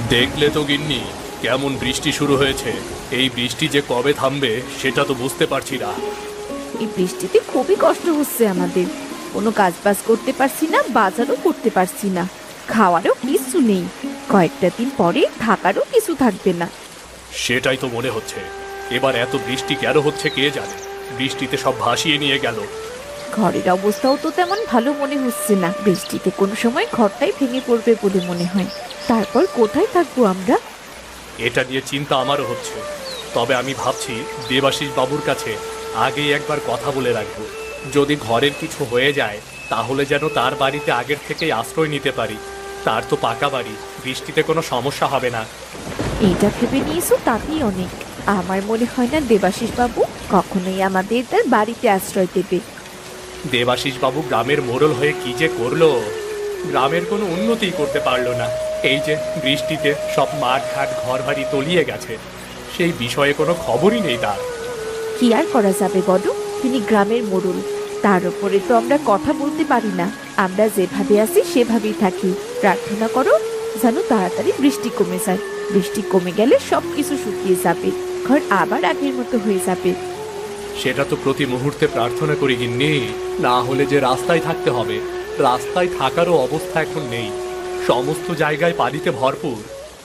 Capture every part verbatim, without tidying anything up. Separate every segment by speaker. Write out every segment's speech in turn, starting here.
Speaker 1: দেখলে তো গিন্নি, কেমন বৃষ্টি শুরু হয়েছে। এই বৃষ্টি যে কবে থামবে সেটা তো বুঝতে পারছি না।
Speaker 2: এই বৃষ্টিতে খুবই কষ্ট হচ্ছে আমাদের। কোনো কাজ বাজ করতে পারছি না, বাজারও করতে পারছি না, খাওয়ারও কিছু নেই। কয়েকটা দিন পরে থাকারও কিছু থাকবে না।
Speaker 1: সেটাই তো মনে হচ্ছে। এবার এত বৃষ্টি কেন হচ্ছে কে জানে। বৃষ্টিতে সব ভাসিয়ে নিয়ে গেল।
Speaker 2: ঘরের অবস্থাও তো তেমন ভালো মনে হচ্ছে না। বৃষ্টিতে কোনো সময় ঘরটাই ভেঙে পড়বে বলে মনে হয়। তারপর কোথায় থাকবো আমরা?
Speaker 1: এটা নিয়ে চিন্তা আমারও হচ্ছে। তবে আমি ভাবছি দেবাশিস বাবুর কাছে আগেই একবার কথা বলে রাখবো। যদি ঘরের কিছু হয়ে যায় তাহলে যেন তার বাড়িতে আগের থেকেই আশ্রয় নিতে পারি। তার তো পাকা বাড়ি, বৃষ্টিতে কোনো সমস্যা হবে না।
Speaker 2: এইটা ভেবে নিয়েছো তাতেই অনেক। আমার মনে হয় না দেবাশিস বাবু কখনোই আমাদের তার বাড়িতে আশ্রয় দেবে।
Speaker 1: দেবাশিস বাবু গ্রামের মোড়ল হয়ে কি যে করলো, গ্রামের কোনো উন্নতিই করতে পারলো না। এই যে বৃষ্টিতে সব মাঠ ঘাট ঘর বাড়ি তলিয়ে গেছে, সেই বিষয়ে কোনো খবরই নেই তার।
Speaker 2: কি আর করা যাবে বলো, তিনি গ্রামের মোড়ল। তার উপরে তো আমরা কথা বলতে পারি না। আমরা যেভাবে আছি সেভাবেই থাকি। প্রার্থনা করো যেন তাড়াতাড়ি বৃষ্টি কমে যায়। বৃষ্টি কমে গেলে সব কিছু শুকিয়ে যাবে, ঘর আবার আগের মতো হয়ে যাবে।
Speaker 1: সেটা তো প্রতি মুহূর্তে প্রার্থনা করি গিন্নি। না হলে যে রাস্তায় থাকতে হবে, রাস্তায় থাকারও অবস্থা এখন নেই। সমস্ত জায়গায় পানিতে ভরপুর।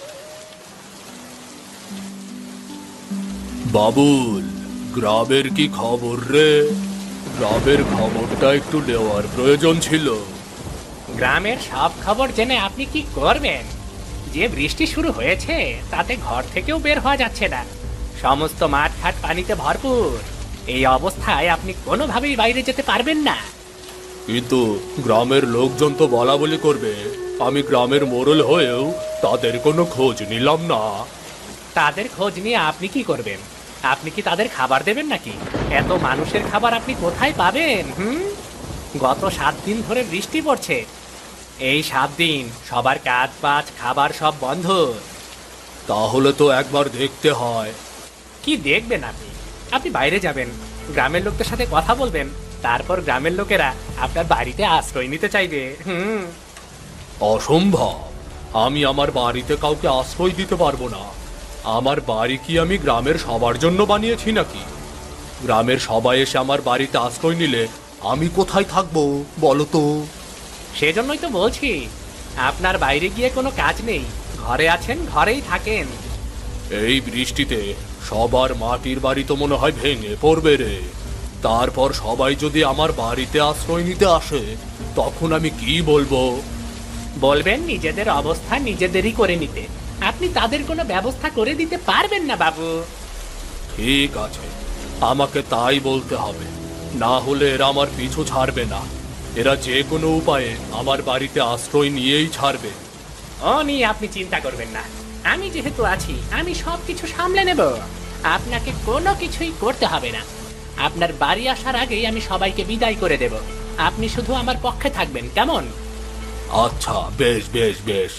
Speaker 1: বাবুল, গ্রামের কি খবর রে? গ্রামের খবরটা একটু নেওয়ার প্রয়োজন ছিল।
Speaker 3: গ্রামের সব খবর জেনে আপনি কি করবেন? যে বৃষ্টি শুরু হয়েছে তাতে ঘর থেকেও বের হওয়া যাচ্ছে না। সমস্ত মাঠ ঘাট পানিতে ভরপুর। এই অবস্থায় আপনি কোনোভাবেই বাইরে যেতে পারবেন না।
Speaker 1: কিন্তু গ্রামের লোকজন তো বলা বলি করবে। আমি গ্রামের মোড়ল হয়েও তাদের কোনো খোঁজ নিলাম না।
Speaker 3: তাদের খোঁজ নিয়ে আপনি কি করবেন? আপনি কি তাদের খাবার দেবেন নাকি? এত মানুষের খাবার আপনি কোথায় পাবেন? হুম, গত সাত দিন ধরে বৃষ্টি পড়ছে। এই সাত দিন সবার কাজ বাজ খাবার সব বন্ধ।
Speaker 1: তাহলে তো একবার দেখতে হয়।
Speaker 3: কি দেখবেন আপনি? আপনি বাইরে যাবেন, গ্রামের লোকদের সাথে কথা বলবেন, তারপর গ্রামের লোকেরা আপনার বাড়িতে আশ্রয় নিতে চাইবে। হুম।
Speaker 1: অসম্ভব। আমি আমার বাড়িতে কাউকে আশ্রয় দিতে পারবো না। আমার বাড়ি কি আমি গ্রামের সবার জন্য বানিয়েছি নাকি? গ্রামের সবাই এসে আমার বাড়িতে আশ্রয় নিলে আমি কোথায় থাকবো বলো তো?
Speaker 3: সেজন্যই তো বলছি, আপনার বাইরে গিয়ে কোনো কাজ নেই। ঘরে আছেন, ঘরেই থাকেন।
Speaker 1: এই বৃষ্টিতে সবার মাটির বাড়ি তো মনে হয় ভেঙে পড়বে রে। তারপর সবাই যদি আমার বাড়িতে আশ্রয় নিতে আসে তখন আমি কি বলবো?
Speaker 3: বলবেন নিজেদের অবস্থা নিজেদেরই করে নিতে। আপনি তাদের কোনো ব্যবস্থা করে দিতে পারবেন না বাবু।
Speaker 1: ঠিক আছে, আমাকে তাই বলতে হবে। না হলে এরা আমার পিছু ছাড়বে না। এরা যে কোনো উপায়ে আমার বাড়িতে আশ্রয় নিয়েই ছাড়বে।
Speaker 3: ও নিয়ে আপনি চিন্তা করবেন না। আমি যেহেতু আছি, আমি সব কিছু সামলে নেব। আপনাকে কোনো কিছুই করতে হবে না। আপনার বাড়ি আসার আগেই আমি সবাইকে বিদায় করে দেব। আপনি শুধু আমার পক্ষে থাকবেন, কেমন?
Speaker 1: আচ্ছা, বেশ বেশ বেশ।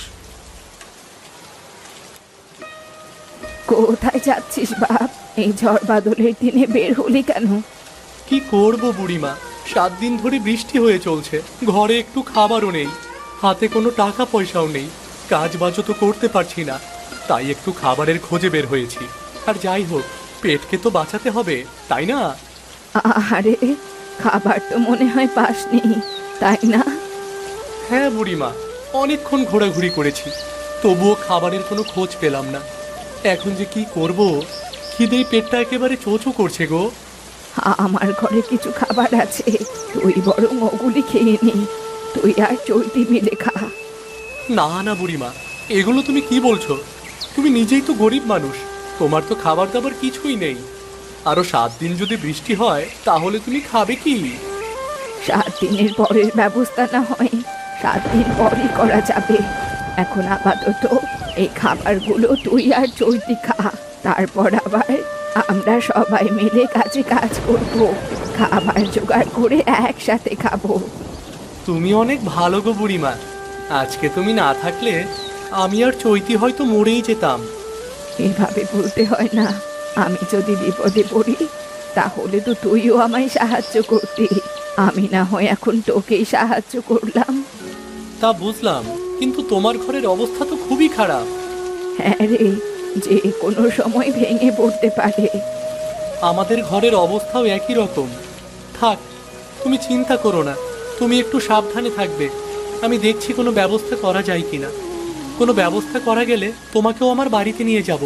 Speaker 2: কোথায় যাচ্ছিস বাপ? এই ঝড় বাদলের দিনে বের হলি কেন?
Speaker 1: কি করব বুড়িমা, সাত দিন ধরে বৃষ্টি হয়ে চলছে। ঘরে একটু খাবারও নেই, হাতে কোনো টাকা পয়সাও নেই। কাজ বাজও তো করতে পারছি না। তাই একটু খাবারের খোঁজে বের হয়েছি। আর যাই হোক, পেটকে তো বাঁচাতে হবে, তাই না?
Speaker 2: আরে, খাবার তো মনে হয় পাসনি, তাই না?
Speaker 1: হ্যাঁ বুড়িমা, অনেকক্ষণ ঘোরাঘুরি করেছি, তবুও খাবারের কোনো খোঁজ পেলাম না। এখন যে কি করব, খিদেই পেটটা একেবারে চোচো করছে গো।
Speaker 2: আমার ঘরে কিছু খাবার আছে, তুই বরং ওগুলি খেয়ে নি। তুই আর চৈতি মিলে খা।
Speaker 1: না না বুড়িমা, এগুলো তুমি কি বলছো? তুমি নিজেই তো গরিব মানুষ, তোমার তো খাবার দাবার কিছুই নেই। আরো সাত দিন যদি বৃষ্টি হয় তাহলে তুমি খাবে কি?
Speaker 2: সাত দিনের পরের ব্যবস্থা না হয় সাত দিন পরই করা যাবে। এখন আপাতত এই খাবারগুলো তুই আর চৈতি খা। তারপর আবার আমরা সবাই মিলে কাজে কাজ করব, খাবার জোগাড় করে একসাথে খাবো।
Speaker 1: তুমি অনেক ভালো গো বুড়িমা। আজকে তুমি না থাকলে আমি আর চৈতি হয়তো মরেই যেতাম।
Speaker 2: এভাবে বলতে হয় না। আমি যদি বিপদে পড়ি তাহলে তো তুইও আমায় সাহায্য করতি। আমি না হয় এখন তোকেই সাহায্য করলাম।
Speaker 1: তা বুঝলাম, কিন্তু তোমার ঘরের অবস্থা তো খুবই খারাপ।
Speaker 2: হ্যাঁ রে, যে কোনো সময় ভেঙে পড়তে পারে।
Speaker 1: আমাদের ঘরের অবস্থাও একই রকম। থাক, তুমি চিন্তা করো না, তুমি একটু সাবধানে থাকবে। আমি দেখছি কোনো ব্যবস্থা করা যায় কিনা। কোনো ব্যবস্থা করা গেলে তোমাকেও আমার বাড়িতে নিয়ে যাব।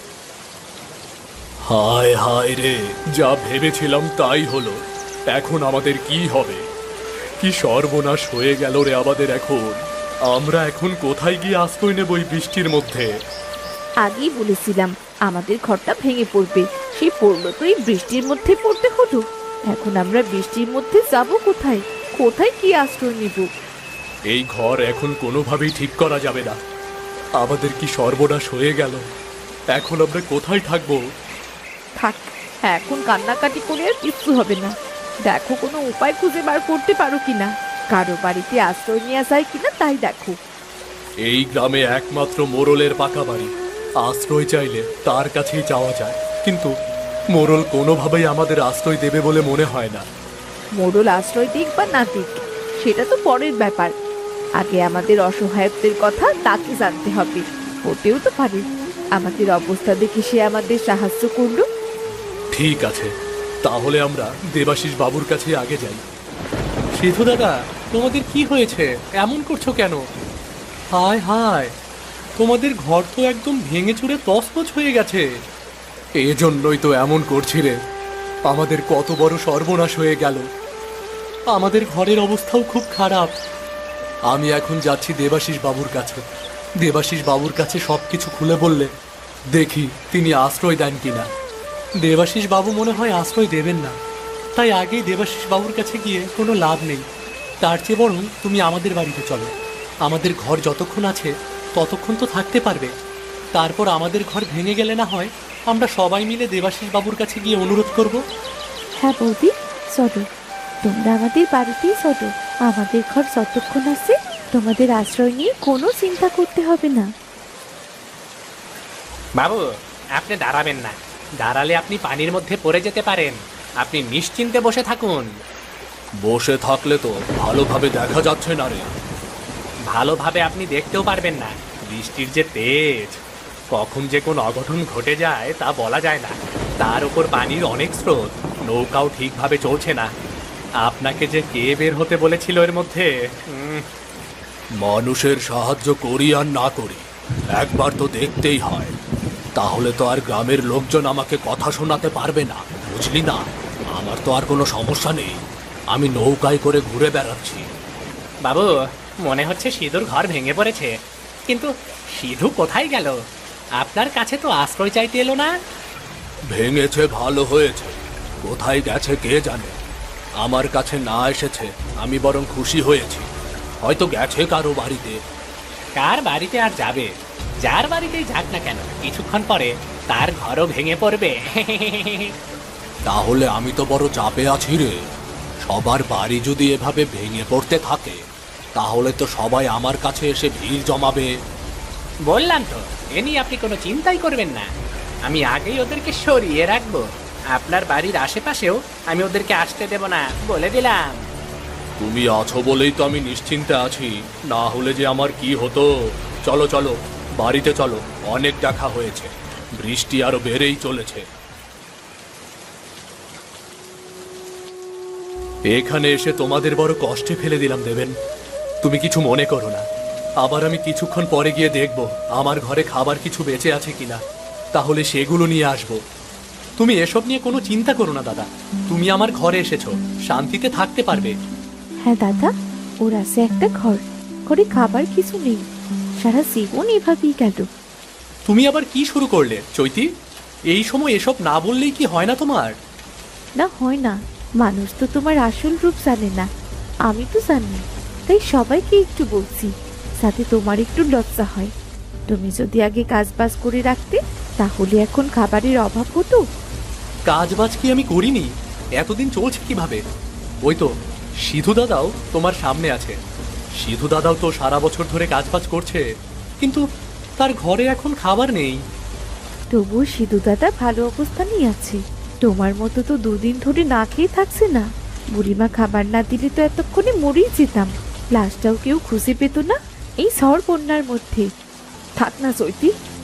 Speaker 1: হায় হায় রে, যা ভেবেছিলাম তাই হলো। এখন আমাদের কি হবে? কি সর্বনাশ হয়ে গেল রে আমাদের এখন। আমরা এখন কোথায় গিয়ে আশ্রয় নেব এই বৃষ্টির মধ্যে?
Speaker 2: আগেই বলেছিলাম আমাদের ঘরটা ভেঙে পড়বে, সে পড়লো তো এই বৃষ্টির মধ্যে পড়তে হলো। এখন আমরা বৃষ্টির মধ্যে যাব কোথায়? কোথায় কি আশ্রয় নেব?
Speaker 1: এই ঘর এখন কোনোভাবেই ঠিক করা যাবে না। আমাদের কি সর্বনাশ হয়ে গেল। এখন আমরা কোথায় থাকবো?
Speaker 2: থাক, এখন কান্নাকাটি করে আর কিচ্ছু হবে না। দেখো কোনো উপায় খুঁজে বার করতে পারো কিনা, কারো বাড়িতে আশ্রয় নেওয়া যায় কিনা তাই দেখো।
Speaker 1: এই গ্রামে একমাত্র মোড়লের পাকা বাড়ি। আশ্রয় চাইলে তার কাছেই যাওয়া যায়, কিন্তু মোড়ল কোনোভাবেই আমাদের আশ্রয় দেবে বলে মনে হয় না।
Speaker 2: মোড়ল আশ্রয় দিক বা না দিক সেটা তো পরের ব্যাপার। আগে আমাদের অসহায়ত্বের কথা তাকে জানতে হবে। হতেও তো পারে আমাদের অবস্থা দেখে সে আমাদের সাহায্য করলো।
Speaker 1: ঠিক আছে, তাহলে আমরা দেবাশিস বাবুর কাছে আগে যাই। সিধু দাদা, তোমাদের কি হয়েছে? এমন করছো কেন? হায় হায়, তোমাদের ঘর তো একদম ভেঙে চুরে তছনছ হয়ে গেছে। এজন্যই তো এমন করছি রে। আমাদের কত বড় সর্বনাশ হয়ে গেল। আমাদের ঘরের অবস্থাও খুব খারাপ। আমি এখন যাচ্ছি দেবাশিস বাবুর কাছে। দেবাশিস বাবুর কাছে সবকিছু খুলে বললে দেখি তিনি আশ্রয় দেন কিনা। দেবাশিস বাবু মনে হয় আশ্রয় দেবেন না, তাই আগেই দেবাশিস বাবুর কাছে গিয়ে কোনো লাভ নেই। তার চেয়ে বরং তুমি আমাদের বাড়িতে চলো। আমাদের ঘর যতক্ষণ আছে ততক্ষণ তো থাকতে পারবে। তারপর আমাদের ঘর ভেঙে গেলে না হয় আমরা সবাই মিলে দেবাশিস বাবুর কাছে গিয়ে অনুরোধ করব।
Speaker 2: হ্যাঁ বৌদি, চলো, তোমরা আমাদের বাড়িতেই চলো। আমাদের ঘর যতক্ষণ আছে তোমাদের আশ্রয় নিয়ে কোনো চিন্তা করতে হবে না।
Speaker 3: বাবু, আপনি দাঁড়াবেন না। দাঁড়ালে আপনি পানির মধ্যে পড়ে যেতে পারেন। আপনি নিশ্চিন্তে বসে থাকুন।
Speaker 1: বসে থাকলে তো ভালোভাবে দেখা যাচ্ছে না রে।
Speaker 3: ভালোভাবে আপনি দেখতেও পারবেন না। বৃষ্টির যে তেজ, কখন যে কোন অঘটন ঘটে যায় তা বলা যায় না। তার উপর পানির অনেক স্রোত, নৌকাও ঠিকভাবে চলছে না। আপনাকে যে কে বের হতে বলেছিল এর মধ্যে? উম,
Speaker 1: মানুষের সাহায্য করি আর না করি, একবার তো দেখতেই হয়। তাহলে তো আর গ্রামের লোকজন আমাকে কথা শোনাতে পারবে না, বুঝলি না? আমার তো আর কোনো সমস্যা নেই। আমি নৌকায় করে ঘুরে বেড়াচ্ছি।
Speaker 3: বাবু, মনে হচ্ছে সিধুর ঘর ভেঙে পড়েছে। কিন্তু সিধু কোথায় গেল? আপনার কাছে তো আশ্রয় চাইতে এলো না।
Speaker 1: ভেঙেছে ভালো হয়েছে, কোথায় গেছে কে জানে। আমার কাছে না এসেছে আমি বরং খুশি হয়েছি। হয়তো গেছে কারো বাড়িতে।
Speaker 3: কার বাড়িতে আর যাবে? যার বাড়িতেই যাক না কেন, কিছুক্ষণ পরে তার ঘরও ভেঙে পড়বে।
Speaker 1: তাহলে আমি তো বড় চাপে আছি রে। সবার বাড়ি যদি এভাবে ভেঙে পড়তে থাকে তাহলে তো সবাই আমার কাছে এসে ভিড় জমাবে।
Speaker 3: বললাম তো, এ নিয়ে আপনি কোনো চিন্তাই করবেন না। আমি আগেই ওদেরকে সরিয়ে রাখবো। আপনার বাড়ির আশেপাশেও আমি ওদেরকে আসতে দেব না, বলে দিলাম।
Speaker 1: তুমি আছো বলেই তো আমি নিশ্চিন্তে আছি, না হলে যে আমার কি হতো। চলো চলো, বাড়িতে চলো, অনেক দেখা হয়েছে। বৃষ্টি আরো বেড়েই চলেছে। এখানে এসে তোমাদের বড় কষ্টে ফেলে দিলাম দেবেন। তুমি কিছু মনে করো না। আবার আমি কিছুক্ষণ পরে গিয়ে দেখব আমার ঘরে খাবার কিছু বেঁচে আছে কিনা, তাহলে সেগুলো নিয়ে আসবো। তুমি এসব নিয়ে কোনো চিন্তা করো না দাদা। তুমি আমার ঘরে এসেছো, শান্তিতে থাকতে পারবে।
Speaker 2: হ্যাঁ দাদা, ওর আছে একটা ঘর, ঘরে খাবার কিছু নেই, সারা জীবন এভাবেই গেল।
Speaker 1: তুমি আবার কি শুরু করলে চৈতি? এই সময় এসব না বললেই কি হয় না তোমার?
Speaker 2: না হয় না, মানুষ তো তোমার আসল রূপ জানে না, আমি তো জানি, তাই সবাইকে একটু বলছি যাতে তোমার একটু লজ্জা হয়। তুমি যদি আগে কাজ বাজ করে রাখতে তাহলে এখন খাবারের অভাব হতো।
Speaker 1: কাজ বাজ কি আমি করিনি? এতদিন চলছে কিভাবে? ওই তো সিধু দাদাও তোমার সামনে আছে। সিধু দাদাও তো সারা বছর ধরে কাজ বাজ করছে, কিন্তু তার ঘরে এখন খাবার নেই।
Speaker 2: তবুও সিধু দাদা ভালো অবস্থানেই আছে, তোমার মতো তো দুদিন ধরে না খেয়ে থাকছে না। বুড়িমা খাবার না দিলে তো এতক্ষণে মরেই যেতাম, লাশটাও কেউ খুঁজে পেত না এই ঝড় বন্যার মধ্যে। থাক না চৈতি,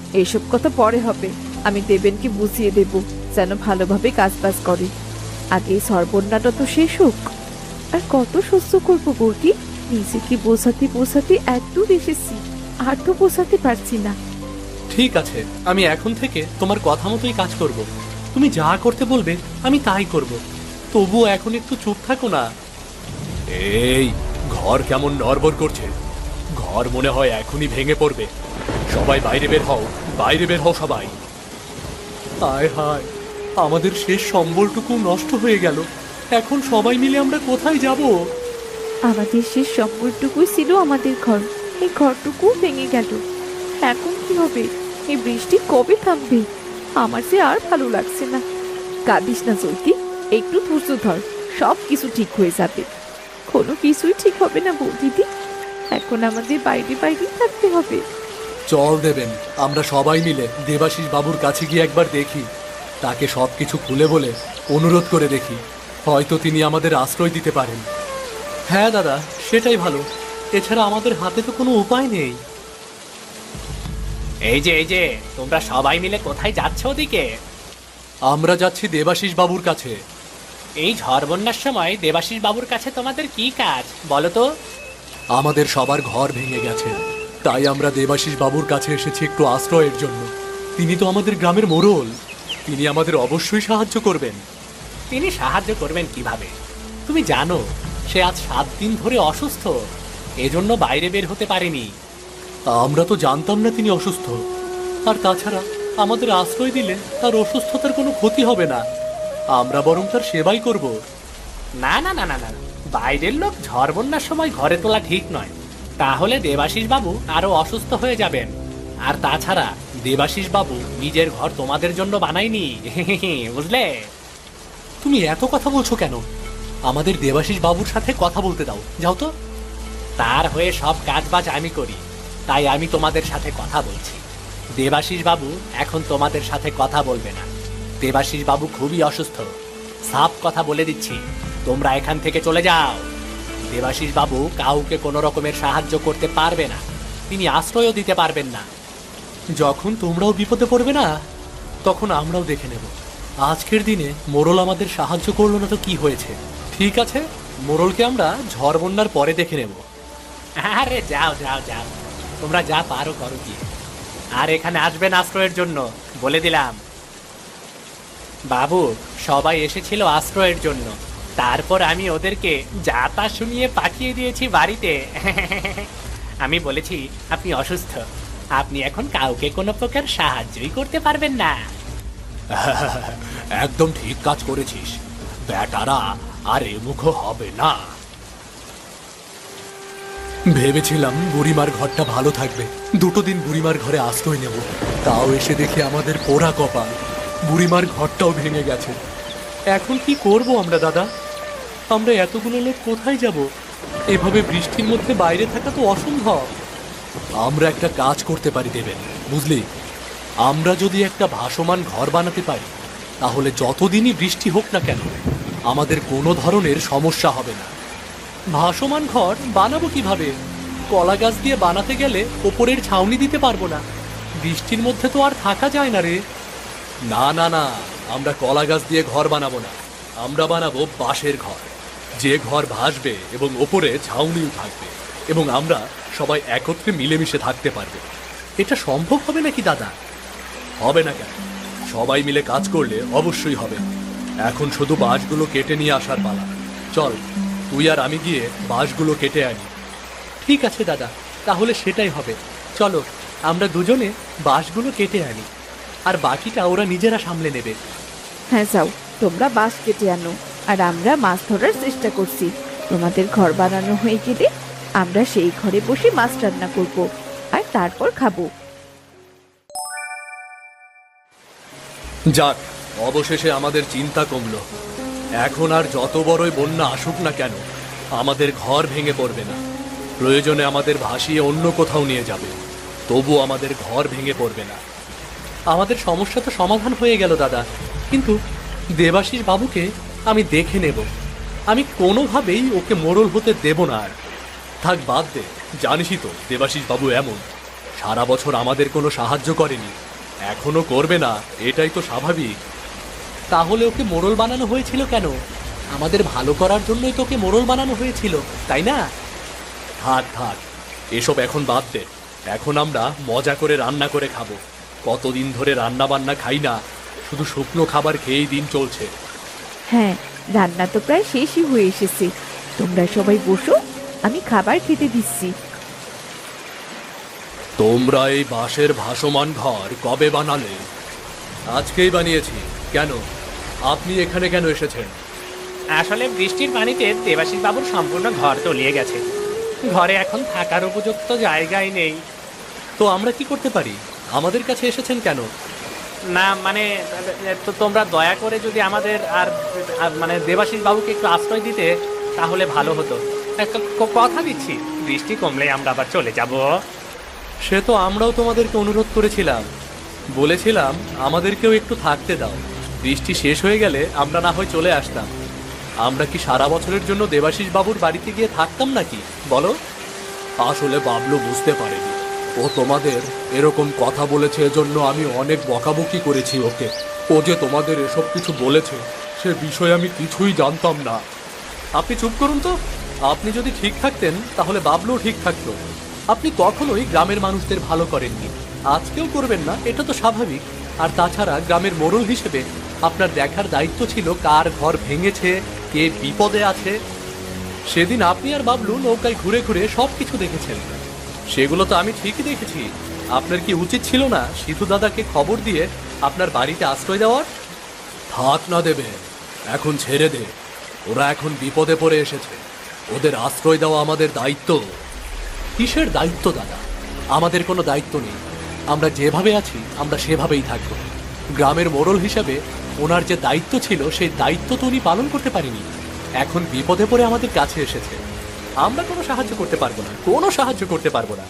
Speaker 2: এসব কথা পরে হবে। আমি দেবেনকে বুঝিয়ে দেব যেন ভালোভাবে কাজ বাজ করে। আগে এই সর্বনাটা তো শেষ হোক। আর কত সহ্য করবো বৌদি? নিজেকে বোঝাতে বোঝাতে একটু এসেছি, আর তো বোঝাতে পারছি না।
Speaker 1: ঠিক আছে, আমি এখন থেকে তোমার কথা মতোই কাজ করব। তুমি যা করতে বলবে আমি তাই করব। তবুও এখন একটু চুপ থাকো না। এই ঘর কেমন নড়বড় করছে, ঘর মনে হয় এখনই ভেঙে পড়বে। সবাই বাইরে বের হও, বাইরে বের হও সবাই। হায় হায়, আমাদের শেষ সম্বলটুকু নষ্ট হয়ে গেল। এখন সবাই মিলে আমরা কোথায় যাব?
Speaker 2: আমাদের শেষ সম্পর্কটুকুই ছিল আমাদের ঘর, এই ঘরটুকু ভেঙে গেল। এখন কি হবে? এই বৃষ্টি কবে থামবে? আমার যে আর ভালো লাগছে না। কাঁদিস না চৈতি, একটু ধৈর্য ধর, সব কিছু ঠিক হয়ে যাবে। কোনো কিছুই ঠিক হবে না বৌদিদি, এখন আমাদের বাইরে বাইরেই থাকতে হবে।
Speaker 1: চল দেবেন, আমরা সবাই মিলে দেবাশিস বাবুর কাছে গিয়ে একবার দেখি। তাকে সব কিছু খুলে বলে অনুরোধ করে দেখি, হয়তো তিনি আমাদের আশ্রয় দিতে পারেন। হ্যাঁ দাদা, সেটাই ভালো। এছাড়া আমাদের হাতে তো কোনো উপায় নেই।
Speaker 3: এই যে এই যে তোমরা সবাই মিলে কোথায় যাচ্ছ ওদিকে?
Speaker 1: আমরা যাচ্ছি দেবাশিস বাবুর কাছে।
Speaker 3: এই ঝড় বন্যার সময় দেবাশিস বাবুর কাছে তোমাদের কি কাজ বলো তো?
Speaker 1: আমাদের সবার ঘর ভেঙে গেছে, তাই আমরা দেবাশিস বাবুর কাছে এসেছি একটু আশ্রয়ের জন্য। তিনি তো আমাদের গ্রামের মোড়ল, তিনি আমাদের অবশ্যই সাহায্য করবেন।
Speaker 3: তিনি সাহায্য করবেন কিভাবে? তুমি জানো সে আজ সাত দিন ধরে অসুস্থ, এজন্য বাইরে বের হতে পারেনি।
Speaker 1: আমরা তো জানতাম না তিনি অসুস্থ। আর তাছাড়া আমাদের আশ্রয় দিলে তার অসুস্থতার কোনো ক্ষতি হবে না, আমরা বরং তার সেবাই করব।
Speaker 3: না না না না না, বাইরের লোক ঝড় বন্যার সময় ঘরে তোলা ঠিক নয়। তাহলে দেবাশিস বাবু আরো অসুস্থ হয়ে যাবেন। আর তাছাড়া দেবাশিস বাবু নিজের ঘর তোমাদের জন্য বানায়নি, বুঝলে?
Speaker 1: তুমি এত কথা বলছো কেন? আমাদের দেবাশিস বাবুর সাথে কথা বলতে দাও, যাও তো।
Speaker 3: তার হয়ে সব কাজবাজ আমি করি, তাই আমি তোমাদের সাথে কথা বলছি। দেবাশিস বাবু এখন তোমাদের সাথে কথা বলবে না। দেবাশিস বাবু খুবই অসুস্থ, সাফ কথা বলে দিচ্ছি, তোমরা এখান থেকে চলে যাও। দেবাশিস বাবু কাউকে কোনো রকমের সাহায্য করতে পারবে না, তিনি আশ্রয়ও দিতে পারবেন না।
Speaker 1: যখন তোমরাও বিপদে পড়বে না, তখন আমরাও দেখে নেব। আজকের দিনে মোড়ল আমাদের সাহায্য করলো না তো কি হয়েছে? ঠিক আছে, মোড়লকে আমরা ঝড় বন্যার পরে দেখে নেব।
Speaker 3: আরে যাও যাও যাও, তোমরা যা পারো করো গিয়ে। আর এখানে আসবেন আশ্রয়ের জন্য, বলে দিলাম। বাবু, সবাই এসেছিল আশ্রয়ের জন্য, তারপর আমি ওদেরকে যা তা শুনিয়ে পাঠিয়ে দিয়েছি বাড়িতে। আমি বলেছি আপনি অসুস্থ, আপনি এখন কাউকে কোনো প্রকার সাহায্যই করতে পারবেন না।
Speaker 1: একদম ঠিক কাজ করেছিস, বেটারা আর এমুখ হবে না। ভেবেছিলাম বুড়িমার ঘরটা ভালো থাকবে, দুটো দিন বুড়িমার ঘরে আশ্রয় নেব, তাও এসে দেখি আমাদের পোড়া কপাল, বুড়িমার ঘরটাও ভেঙে গেছে। এখন কি করব আমরা দাদা? আমরা এতগুলো লোক কোথায় যাব? এভাবে বৃষ্টির মধ্যে বাইরে থাকা তো অসম্ভব। আমরা একটা কাজ করতে পারি দেবেন, বুঝলি? আমরা যদি একটা ভাসমান ঘর বানাতে পারি, তাহলে যতদিনই বৃষ্টি হোক না কেন আমাদের কোনো ধরনের সমস্যা হবে না। ভাসমান ঘর বানাবো কিভাবে? কলা গাছ দিয়ে বানাতে গেলে ওপরের ছাউনি দিতে পারবো না, বৃষ্টির মধ্যে তো আর থাকা যায় না রে। না না না, আমরা কলা গাছ দিয়ে ঘর বানাবো না, আমরা বানাবো বাঁশের ঘর, যে ঘর ভাসবে এবং ওপরে ছাউনিও থাকবে, এবং আমরা সবাই একত্রে মিলেমিশে থাকতে পারবো। এটা সম্ভব হবে নাকি দাদা? হবে না কেন? সবাই মিলে কাজ করলে অবশ্যই হবে। এখন শুধু বাঁশগুলো কেটে নিয়ে আসার পালা। চল, তুই আর আমি গিয়ে বাঁশগুলো কেটে আনি। ঠিক আছে দাদা, তাহলে সেটাই হবে। চলো, আমরা দুজনে বাঁশগুলো কেটে আনি, আর বাকিটা ওরা নিজেরা সামলে নেবে।
Speaker 2: হ্যাঁ যাও, তোমরা বাঁশ কেটে আনো, আর আমরা মাছ ধরার চেষ্টা করছি। তোমাদের ঘর বানানো হয়ে গেলে আমরা সেই ঘরে বসে মাছ রান্না করব, আর তারপর খাবো।
Speaker 1: যাক, অবশেষে আমাদের চিন্তা কমলো। এখন আর যত বড়ই বন্যা আসুক না কেন, আমাদের ঘর ভেঙে পড়বে না। প্রয়োজনে আমাদের ভাসিয়ে অন্য কোথাও নিয়ে যাবে, তবু আমাদের ঘর ভেঙে পড়বে না। আমাদের সমস্যা তো সমাধান হয়ে গেল দাদা, কিন্তু দেবাশিস বাবুকে আমি দেখে নেব। আমি কোনোভাবেই ওকে মোড়ল হতে দেব না। আর থাক, বাদ দে, জানিসই তো দেবাশিস বাবু এমন, সারা বছর আমাদের কোনো সাহায্য করেনি, এখনো করবে না, এটাই তো স্বাভাবিক।
Speaker 3: তাহলে ওকে মোড়ল বানানো হয়েছিল কেন? আমাদের ভালো করার জন্যই তোকে মোড়ল বানানো হয়েছিল, তাই না?
Speaker 1: থাক থাক, এসব এখন বাদ দে। এখন আমরা মজা করে রান্না করে খাবো। কতদিন ধরে রান্না বান্না খাই না, শুধু শুকনো খাবার খেয়েই দিন চলছে।
Speaker 2: হ্যাঁ, রান্না তো প্রায় শেষই হয়ে এসেছে। তোমরা সবাই বসো, আমি খাবার খেতে দিচ্ছি।
Speaker 1: তোমরা এই বাঁশের ভাসমান ঘর কবে বানালে? আজকেই বানিয়েছি। কেন, আপনি এখানে কেন এসেছেন?
Speaker 3: আসলে বৃষ্টির পানিতে দেবাশিস বাবুর সম্পূর্ণ ঘর তলিয়ে গেছে। ঘরে এখন থাকার উপযুক্ত জায়গায় নেই।
Speaker 1: তো আমরা কি করতে পারি? আমাদের কাছে এসেছেন কেন?
Speaker 3: না মানে, তো তোমরা দয়া করে যদি আমাদের আর আর মানে দেবাশিস বাবুকে একটু আশ্রয় দিতে তাহলে ভালো হতো। একটা ক- কথা দিচ্ছি, বৃষ্টি কমলে আমরা আবার চলে যাব।
Speaker 1: সে তো আমরাও তোমাদেরকে অনুরোধ করেছিলাম, বলেছিলাম আমাদেরকেও একটু থাকতে দাও, বৃষ্টি শেষ হয়ে গেলে আমরা না হয় চলে আসতাম। আমরা কি সারা বছরের জন্য দেবাশিস বাবুর বাড়িতে গিয়ে থাকতাম নাকি বলো? আসলে বাবলু বুঝতে পারেনি, ও তোমাদের এরকম কথা বলেছে, এজন্য আমি অনেক বকাবকি করেছি ওকে। ও যে তোমাদের এসব কিছু বলেছে সে বিষয়ে আমি কিছুই জানতাম না। আপনি চুপ করুন তো। আপনি যদি ঠিক থাকতেন তাহলে বাবলুও ঠিক থাকতো। আপনি কখনোই গ্রামের মানুষদের ভালো করেননি, আজকেও করবেন না, এটা তো স্বাভাবিক। আর তাছাড়া গ্রামের মোড়ল হিসেবে আপনার দেখার দায়িত্ব ছিল কার ঘর ভেঙেছে, কে বিপদে আছে। সেদিন আপনি আর বাবলু নৌকায় ঘুরে ঘুরে সব কিছু দেখেছেন, সেগুলো তো আমি ঠিকই দেখেছি। আপনার কি উচিত ছিল না সিধু দাদাকে খবর দিয়ে আপনার বাড়িতে আশ্রয় দেওয়ার? থাক না দেবে, এখন ছেড়ে দে। ওরা এখন বিপদে পড়ে এসেছে, ওদের আশ্রয় দেওয়া আমাদের দায়িত্ব। কিসের দায়িত্ব দাদা? আমাদের কোনো দায়িত্ব নেই, আমরা যেভাবে আছি আমরা সেভাবেই থাকব। গ্রামের মোড়ল হিসাবে ওনার যে দায়িত্ব ছিল সেই দায়িত্ব তো উনি পালন করতে পারেনি। এখন বিপদে পড়ে আমাদের কাছে এসেছে, আমরা কোনো সাহায্য করতে পারবো না, কোনো সাহায্য করতে পারবো না।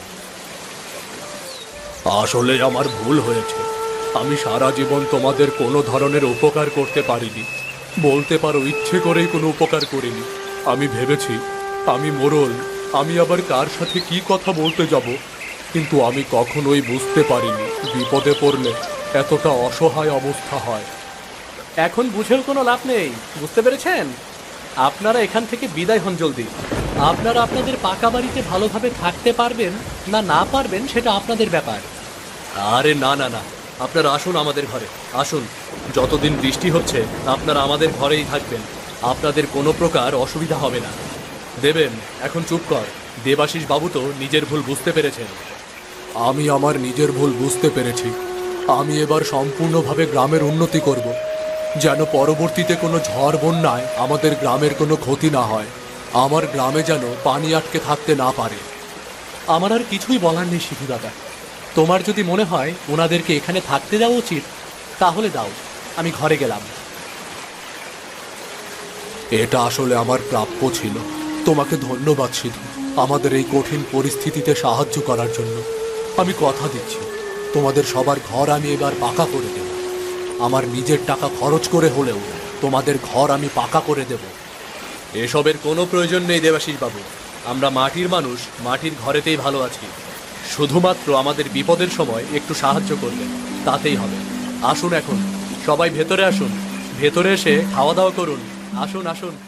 Speaker 1: আসলে আমার ভুল হয়েছে, আমি সারা জীবন তোমাদের কোনো ধরনের উপকার করতে পারিনি। বলতে পারো ইচ্ছে করেই কোনো উপকার করিনি। আমি ভেবেছি আমি মোড়ল, আমি আবার কার সাথে কি কথা বলতে যাব, কিন্তু আমি কখনোই বুঝতে পারিনি বিপদে পড়লে এতটা অসহায় অবস্থা হয়। এখন বুঝেও কোনো লাভ নেই, বুঝতে পেরেছেন? আপনারা এখান থেকে বিদায় হন জলদি। আপনারা আপনাদের পাকা বাড়িতে ভালোভাবে থাকতে পারবেন না না পারবেন সেটা আপনাদের ব্যাপার। আরে না না না, আপনারা আসুন আমাদের ঘরে, আসুন। যতদিন বৃষ্টি হচ্ছে আপনারা আমাদের ঘরেই থাকবেন, আপনাদের কোনো প্রকার অসুবিধা হবে না। দেবেন, এখন চুপ কর। দেবাশিস বাবু তো নিজের ভুল বুঝতে পেরেছেন। আমি আমার নিজের ভুল বুঝতে পেরেছি। আমি এবার সম্পূর্ণভাবে গ্রামের উন্নতি করব, যেন পরবর্তীতে কোনো ঝড় বন্যায় আমাদের গ্রামের কোনো ক্ষতি না হয়, আমার গ্রামে যেন পানি আটকে থাকতে না পারে। আমার আর কিছুই বলার নেই সিধু দাদা, তোমার যদি মনে হয় ওনাদেরকে এখানে থাকতে দেওয়া উচিত তাহলে দাও, আমি ঘরে গেলাম। এটা আসলে আমার প্রাপ্য ছিল। তোমাকে ধন্যবাদ সিধু, আমাদের এই কঠিন পরিস্থিতিতে সাহায্য করার জন্য। আমি কথা দিচ্ছি তোমাদের সবার ঘর আমি এবার পাকা করে দেব। আমার নিজের টাকা খরচ করে হলেও তোমাদের ঘর আমি পাকা করে দেব। এসবের কোনো প্রয়োজন নেই দেবাশিস বাবু, আমরা মাটির মানুষ, মাটির ঘরেতেই ভালো আছি। শুধুমাত্র আমাদের বিপদের সময় একটু সাহায্য করবেন, তাতেই হবে। আসুন এখন সবাই ভেতরে আসুন, ভেতরে এসে খাওয়া দাওয়া করুন। আসুন আসুন।